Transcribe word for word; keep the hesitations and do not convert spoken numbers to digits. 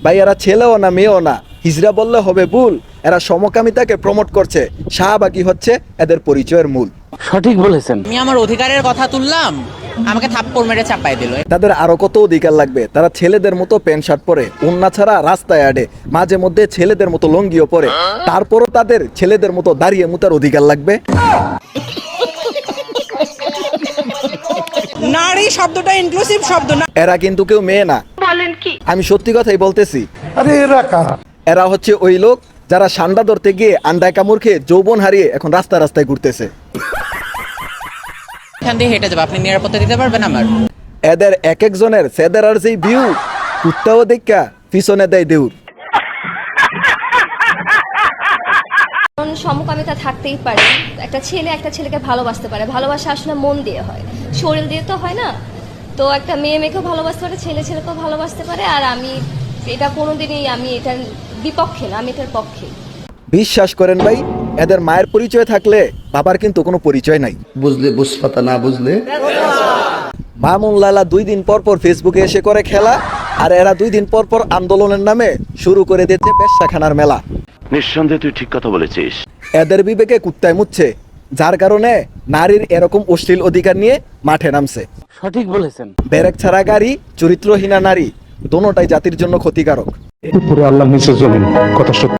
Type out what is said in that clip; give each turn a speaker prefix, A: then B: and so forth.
A: ভাই এরা ছেলেও না মেয়েও না, হিজড়া বললে হবে ভুল। এরা সমকামিতাকে প্রমোট করছে, শাহবাগী হচ্ছে এদের পরিচয়ের মূল।
B: সঠিক বলেছেন।
C: আমি আমার অধিকারের কথা তুললাম, আমাকে থাপ্পড় মেরে চাপাই দিল।
A: তাদের আরো কত অধিকার লাগবে? তারা ছেলেদের মতো প্যান্ট শার্ট পরে, ওন্না ছাড়া রাস্তায় আডে, মাঝে মধ্যে ছেলেদের মতো লঙ্গিও পরে, তারপরও তাদের ছেলেদের মতো দাঁড়িয়ে মুতার অধিকার লাগবে।
C: নারী শব্দটা ইনক্লুসিভ শব্দ না।
A: এরা কিন্তু কেউ মেয়ে না,
D: বলেন কি?
A: আমি সত্যি কথাই বলতেছি।
E: আরে এরা কারা?
A: এরা হচ্ছে ওই লোক যারা সান্ডা ধরতে গিয়ে আন্ডায় কামড় খেয়ে যৌবন হারিয়ে এখন রাস্তা রাস্তায় ঘুরতেছে।
C: এখান দিয়ে হেঁটে যাবো, আপনি নিরাপত্তা দিতে পারবেন আমার?
A: এদের এক একজনের সেদের আর যেই ভিউ, কুত্তাও দেখা পিছনে দেয় দেউর।
F: সমকামিতা থাকতেই পারে, একটা ছেলে একটা ছেলেকে ভালোবাসতে পারে, ভালোবাসা আসলে মন দিয়ে হয়, শরীর দিয়ে তো হয় না। তো একটা মেয়ে মেয়েকেও ভালোবাসতে পারে, ছেলে ছেলেকেও ভালোবাসতে পারে। আর আমি এটা কোনোদিনই আমি এটার বিপক্ষে না, আমি এটার পক্ষে।
A: বিশ্বাস করেন ভাই, এদের মায়ের পরিচয় থাকলে বাবার কিন্তু কোনো পরিচয় নাই।
E: বুঝলে বুঝপাতা, না বুঝলে
A: মামুন লালা দুই দিন পর পর ফেসবুকে এসে করে খেলা, আর এরা দুই দিন পর পর আন্দোলনের নামে শুরু করে দিচ্ছে বেশ্যাখানার মেলা।
G: নিঃসন্দেহে তুই ঠিক কথা বলেছিস।
A: এদের বিবেকে কুত্তায় মুচ্ছে, যার কারণে নারীর এরকম অশ্লীল অধিকার নিয়ে মাঠে নামছে।
B: সঠিক বলেছেন।
A: ব্যারেক ছাড়া গাড়ি, চরিত্রহীনা নারী, দোনোটাই জাতির জন্য ক্ষতিকারক।
E: উপরে আল্লাহ নিচে জমিন, কথা সত্য।